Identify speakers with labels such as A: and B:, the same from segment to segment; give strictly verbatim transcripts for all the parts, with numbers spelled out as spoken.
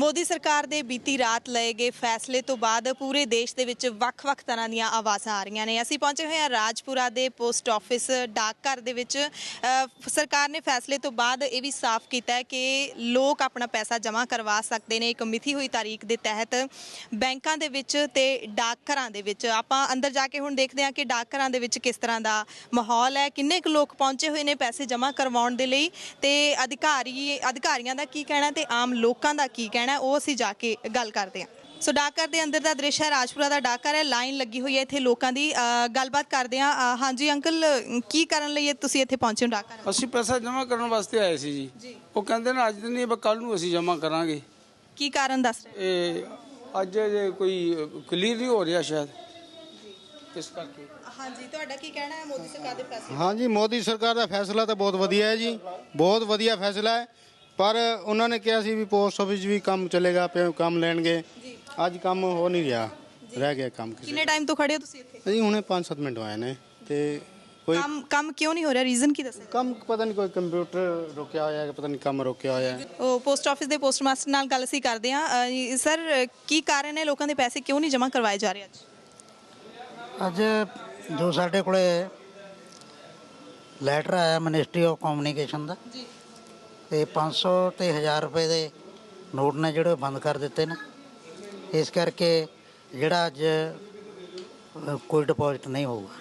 A: ਮੋਦੀ ਸਰਕਾਰ ਦੇ ਬੀਤੀ ਰਾਤ ਲਏ ਗਏ ਫੈਸਲੇ ਤੋਂ ਬਾਅਦ ਪੂਰੇ ਦੇਸ਼ ਦੇ ਵਿੱਚ ਵੱਖ-ਵੱਖ ਤਰ੍ਹਾਂ ਦੀਆਂ ਆਵਾਜ਼ਾਂ ਆ ਰਹੀਆਂ ਨੇ। ਅਸੀਂ ਪਹੁੰਚੇ ਹੋਏ ਹਾਂ ਰਾਜਪੁਰਾ ਦੇ ਪੋਸਟ ਆਫਿਸ ਡਾਕਘਰ ਦੇ ਵਿੱਚ। ਸਰਕਾਰ ਨੇ ਫੈਸਲੇ ਤੋਂ ਬਾਅਦ ਇਹ ਵੀ ਸਾਫ਼ ਕੀਤਾ ਹੈ ਕਿ ਲੋਕ ਆਪਣਾ ਪੈਸਾ ਜਮ੍ਹਾਂ ਕਰਵਾ ਸਕਦੇ ਨੇ ਇੱਕ ਮਿਥੀ ਹੋਈ ਤਾਰੀਖ ਦੇ ਤਹਿਤ ਬੈਂਕਾਂ ਦੇ ਵਿੱਚ ਤੇ ਡਾਕਘਰਾਂ ਦੇ ਵਿੱਚ। ਆਪਾਂ ਅੰਦਰ ਜਾ ਕੇ ਹੁਣ ਦੇਖਦੇ ਹਾਂ ਕਿ ਡਾਕਘਰਾਂ ਦੇ ਵਿੱਚ ਕਿਸ ਤਰ੍ਹਾਂ ਦਾ ਮਾਹੌਲ ਹੈ, ਕਿੰਨੇ ਕੁ ਲੋਕ ਪਹੁੰਚੇ ਹੋਏ ਨੇ ਪੈਸੇ ਜਮ੍ਹਾਂ ਕਰਵਾਉਣ ਦੇ ਲਈ, ਤੇ ਅਧਿਕਾਰੀ ਅਧਿਕਾਰੀਆਂ ਦਾ ਕੀ ਕਹਿਣਾ ਤੇ ਆਮ ਲੋਕਾਂ ਦਾ ਕੀ ਕਹਿਣਾ, ਉਹ ਅਸੀਂ ਜਾ ਕੇ ਗੱਲ ਕਰਦੇ ਹਾਂ। ਸੋ ਡਾਕਘਰ ਦੇ ਅੰਦਰ ਦਾ ਦ੍ਰਿਸ਼ ਹੈ, ਰਾਜਪੁਰਾ ਦਾ ਡਾਕਘਰ ਹੈ, ਲਾਈਨ ਲੱਗੀ ਹੋਈ ਹੈ ਇੱਥੇ ਲੋਕਾਂ ਦੀ। ਗੱਲਬਾਤ ਕਰਦੇ ਹਾਂ। ਹਾਂਜੀ ਅੰਕਲ, ਕੀ ਕਰਨ ਲਈ ਤੁਸੀਂ ਇੱਥੇ ਪਹੁੰਚੇ ਹੋ ਡਾਕਘਰ?
B: ਅਸੀਂ ਪੈਸਾ ਜਮ੍ਹਾਂ ਕਰਨ ਵਾਸਤੇ ਆਏ ਸੀ ਜੀ। ਉਹ ਕਹਿੰਦੇ ਨੇ ਅੱਜ ਨਹੀਂ, ਕੱਲ ਨੂੰ ਅਸੀਂ ਜਮ੍ਹਾਂ ਕਰਾਂਗੇ।
A: ਕੀ ਕਾਰਨ ਦੱਸ ਰਹੇ?
B: ਇਹ ਅੱਜ ਜੇ ਕੋਈ ਕਲੀਅਰ ਨਹੀਂ ਹੋ ਰਿਹਾ ਸ਼ਾਇਦ, ਇਸ ਕਰਕੇ।
A: ਹਾਂਜੀ, ਤੁਹਾਡਾ ਕੀ ਕਹਿਣਾ ਹੈ ਮੋਦੀ ਸਰਕਾਰ ਦੇ ਫੈਸਲੇ?
C: ਹਾਂਜੀ, ਮੋਦੀ ਸਰਕਾਰ ਦਾ ਫੈਸਲਾ ਤਾਂ ਬਹੁਤ ਵਧੀਆ ਹੈ ਜੀ, ਬਹੁਤ ਵਧੀਆ ਫੈਸਲਾ ਹੈ। ਪਰ ਉਹਨਾਂ ਨੇ ਕਿਹਾ ਸੀ ਵੀ ਪੋਸਟ ਆਫਿਸ ਵੀ ਕੰਮ ਚੱਲੇਗਾ, ਕੰਮ ਲੈਣਗੇ। ਅੱਜ ਕੰਮ ਹੋ ਨਹੀਂ ਰਿਹਾ, ਰਹਿ ਗਿਆ ਕੰਮ।
A: ਕਿੰਨੇ ਟਾਈਮ ਤੋਂ ਖੜੇ ਹੋ ਤੁਸੀਂ ਇੱਥੇ?
C: ਅਸੀਂ ਹੁਣੇ ਪੰਜ ਸੱਤ ਮਿੰਟ ਆਏ ਨੇ ਤੇ ਕੋਈ
A: ਕੰਮ ਕੰਮ ਕਿਉਂ ਨਹੀਂ ਹੋ ਰਿਹਾ? ਰੀਜ਼ਨ ਕੀ ਦੱਸਿਆ?
C: ਕੰਮ ਪਤਾ ਨਹੀਂ, ਕੋਈ ਕੰਪਿਊਟਰ ਰੁਕਿਆ ਹੋਇਆ ਹੈ, ਪਤਾ ਨਹੀਂ ਕੰਮ ਰੁਕਿਆ ਹੋਇਆ ਹੈ।
A: ਉਹ ਪੋਸਟ ਆਫਿਸ ਦੇ ਪੋਸਟ ਮਾਸਟਰ ਨਾਲ ਗੱਲ ਅਸੀਂ ਕਰਦੇ ਹਾਂ। ਸਰ, ਕੀ ਕਾਰਨ ਹੈ ਲੋਕਾਂ ਦੇ ਪੈਸੇ ਕਿਉਂ ਨਹੀਂ ਜਮ੍ਹਾਂ ਕਰਵਾਏ ਜਾ ਰਹੇ ਅੱਜ?
D: ਅੱਜ ਜੋ ਸਾਡੇ ਕੋਲੇ ਲੈਟਰ ਆਇਆ ਮਿਨਿਸਟਰੀ ਆਫ ਕਮਿਊਨੀਕੇਸ਼ਨ ਦਾ
A: ਜੀ,
D: ਤੇ ਪੰਜ ਸੌ ਤੇ ਹਜ਼ਾਰ ਰੁਪਏ ਦੇ ਨੋਟ ਨੇ ਜਿਹੜੇ ਬੰਦ ਕਰ ਦਿੱਤੇ ਨੇ। ਇਸ ਕਰਕੇ ਜਿਹੜਾ ਅੱਜ ਕੋਈ ਡਿਪੋਜ਼ਿਟ ਨਹੀਂ ਹੋਊਗਾ।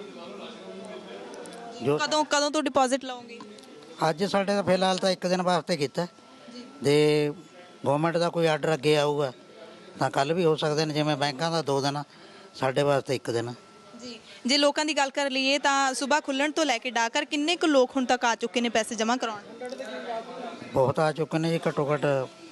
A: ਜੋ ਕਦੋਂ ਕਦੋਂ ਤੋਂ ਡਿਪੋਜ਼ਿਟ ਲਾਓਗੇ?
D: ਅੱਜ ਸਾਡੇ ਤਾਂ ਫਿਲਹਾਲ ਤਾਂ ਇੱਕ ਦਿਨ ਵਾਸਤੇ ਕੀਤਾ, ਜੇ ਗਵਰਨਮੈਂਟ ਦਾ ਕੋਈ ਆਰਡਰ ਅੱਗੇ ਆਊਗਾ ਤਾਂ ਕੱਲ੍ਹ ਵੀ ਹੋ ਸਕਦੇ ਨੇ। ਜਿਵੇਂ ਬੈਂਕਾਂ ਦਾ ਦੋ ਦਿਨ, ਸਾਡੇ ਵਾਸਤੇ ਇੱਕ ਦਿਨ।
A: ਜੀ, ਜੇ ਲੋਕਾਂ ਦੀ ਗੱਲ ਕਰ ਲਈਏ ਤਾਂ ਸਵੇਰ ਖੁੱਲ੍ਹਣ ਤੋਂ ਲੈ ਕੇ ਡਾਕਘਰ ਕਿੰਨੇ ਕੁ ਲੋਕ ਹੁਣ ਤੱਕ ਆ ਚੁੱਕੇ ਨੇ ਪੈਸੇ ਜਮ੍ਹਾਂ ਕਰਾਉਣ?
D: ਬਹੁਤ ਆ ਚੁੱਕੇ ਨੇ ਜੀ, ਘੱਟੋ ਘੱਟ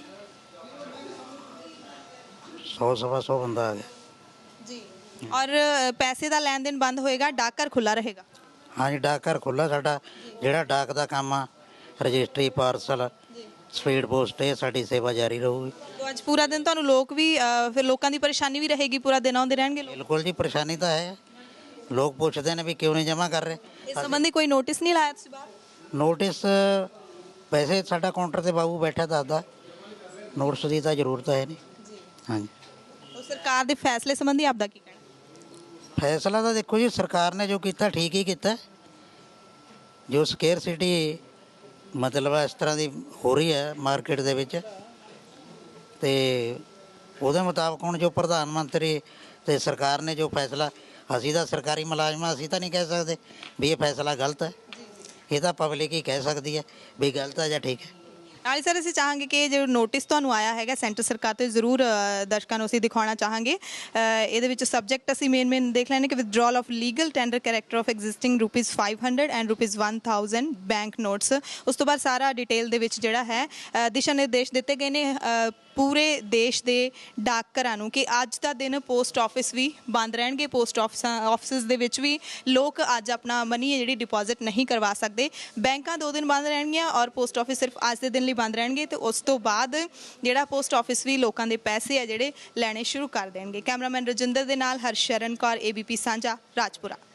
D: ਸੌ ਸਵਾ ਸੌ ਬੰਦਾ ਆ ਗਿਆ
A: ਜੀ। ਔਰ ਪੈਸੇ ਦਾ ਲੈਣ ਦੇਣ ਬੰਦ ਹੋਏਗਾ, ਡਾਕਘਰ ਖੁੱਲ੍ਹਾ ਰਹੇਗਾ?
D: ਹਾਂਜੀ, ਡਾਕਘਰ ਖੁੱਲ੍ਹਾ ਸਾਡਾ। ਜਿਹੜਾ ਡਾਕ ਦਾ ਕੰਮ ਆ, ਰਜਿਸਟਰੀ, ਪਾਰਸਲ, ਸਪੀਡ ਪੋਸਟ, ਇਹ ਸਾਡੀ ਸੇਵਾ ਜਾਰੀ ਰਹੂਗੀ।
A: ਅੱਜ ਪੂਰਾ ਦਿਨ ਤੁਹਾਨੂੰ ਲੋਕ ਵੀ ਫਿਰ ਲੋਕਾਂ ਦੀ ਪਰੇਸ਼ਾਨੀ ਵੀ ਰਹੇਗੀ, ਪੂਰਾ ਦਿਨ ਆਉਂਦੇ ਰਹਿਣਗੇ ਲੋਕ?
D: ਬਿਲਕੁਲ ਜੀ, ਪਰੇਸ਼ਾਨੀ ਤਾਂ ਹੈ। ਲੋਕ ਪੁੱਛਦੇ ਨੇ ਵੀ ਕਿਉਂ ਨਹੀਂ ਜਮ੍ਹਾਂ ਕਰ ਰਹੇ।
A: ਇਸ ਸੰਬੰਧੀ ਕੋਈ ਨੋਟਿਸ ਨਹੀਂ ਲਾਇਆ ਤੁਸੀਂ ਬਾਹਰ?
D: ਨੋਟਿਸ ਵੈਸੇ ਸਾਡਾ ਕਾਊਂਟਰ ਤੇ ਬਾਬੂ ਬੈਠਾ ਦੱਸਦਾ, ਨੋਟਿਸ ਦੀ ਤਾਂ ਜ਼ਰੂਰਤ ਹੈ ਨਹੀਂ। ਹਾਂਜੀ,
A: ਉਹ ਸਰਕਾਰ ਦੇ ਫੈਸਲੇ ਸੰਬੰਧੀ ਆਪਦਾ ਕੀ ਕਹਿਣਾ?
D: ਫੈਸਲਾ ਤਾਂ ਦੇਖੋ ਜੀ, ਸਰਕਾਰ ਨੇ ਜੋ ਕੀਤਾ ਠੀਕ ਹੀ ਕੀਤਾ। ਜੋ ਸਕੇਅਰਸਿਟੀ ਮਤਲਬ ਇਸ ਤਰ੍ਹਾਂ ਦੀ ਹੋ ਰਹੀ ਹੈ ਮਾਰਕੀਟ ਦੇ ਵਿੱਚ, ਤੇ ਉਹਦੇ ਮੁਤਾਬਕ ਹੁਣ ਜੋ ਪ੍ਰਧਾਨ ਮੰਤਰੀ ਤੇ ਸਰਕਾਰ ਨੇ ਜੋ ਫੈਸਲਾ, ਅਸੀਂ ਤਾਂ ਸਰਕਾਰੀ ਮੁਲਾਜ਼ਮ, ਅਸੀਂ ਤਾਂ ਨਹੀਂ ਕਹਿ ਸਕਦੇ ਵੀ ਇਹ ਫੈਸਲਾ ਗਲਤ ਹੈ। ਇਹ ਤਾਂ ਪਬਲਿਕ ਹੀ ਕਹਿ ਸਕਦੀ ਹੈ ਵੀ ਗਲਤ ਹੈ ਜਾਂ ਠੀਕ ਹੈ।
A: ਨਾਲੇ ਸਰ, ਅਸੀਂ ਚਾਹਾਂਗੇ ਕਿ ਜੋ ਨੋਟਿਸ ਤੁਹਾਨੂੰ ਆਇਆ ਹੈਗਾ ਸੈਂਟਰ ਸਰਕਾਰ ਤੋਂ, ਜ਼ਰੂਰ ਦਰਸ਼ਕਾਂ ਨੂੰ ਅਸੀਂ ਦਿਖਾਉਣਾ ਚਾਹਾਂਗੇ। ਇਹਦੇ ਵਿੱਚ ਸਬਜੈਕਟ ਅਸੀਂ ਮੇਨ ਮੇਨ ਦੇਖ ਲੈਣੇ ਕਿ withdrawal of legal tender character of existing rupees five hundred and rupees one thousand bank notes. ਉਸ ਤੋਂ ਬਾਅਦ ਸਾਰਾ ਡਿਟੇਲ ਦੇ ਵਿੱਚ ਜਿਹੜਾ ਹੈ ਦਿਸ਼ਾ ਨਿਰਦੇਸ਼ ਦਿੱਤੇ ਗਏ ਨੇ ਪੂਰੇ ਦੇਸ਼ ਦੇ ਡਾਕਘਰਾਂ ਨੂੰ ਕਿ ਅੱਜ ਦਾ ਦਿਨ ਪੋਸਟ ਆਫਿਸ ਵੀ ਬੰਦ ਰਹਿਣਗੇ। ਪੋਸਟ ਆਫਿਸ ਆਫਿਸਿਸ ਦੇ ਵਿੱਚ ਵੀ ਲੋਕ ਅੱਜ ਆਪਣਾ ਮਨੀ ਹੈ ਜਿਹੜੀ ਡਿਪੋਜ਼ਿਟ ਨਹੀਂ ਕਰਵਾ ਸਕਦੇ। ਬੈਂਕਾਂ ਦੋ ਦਿਨ ਬੰਦ ਰਹਿਣਗੀਆਂ ਔਰ ਪੋਸਟ ਆਫਿਸ ਸਿਰਫ ਅੱਜ ਦੇ ਦਿਨ ਲਈ ਬੰਦ ਰਹਿਣਗੇ, ਤੇ ਉਸ ਤੋਂ ਬਾਅਦ ਜਿਹੜਾ ਪੋਸਟ ਆਫਿਸ ਵੀ ਲੋਕਾਂ ਦੇ ਪੈਸੇ ਆ ਜਿਹੜੇ ਲੈਣੇ ਸ਼ੁਰੂ ਕਰ ਦੇਣਗੇ। ਕੈਮਰਾਮੈਨ ਰਜਿੰਦਰ ਦੇ ਨਾਲ Harsharan Kaur, A B P Sanjha, Rajpura.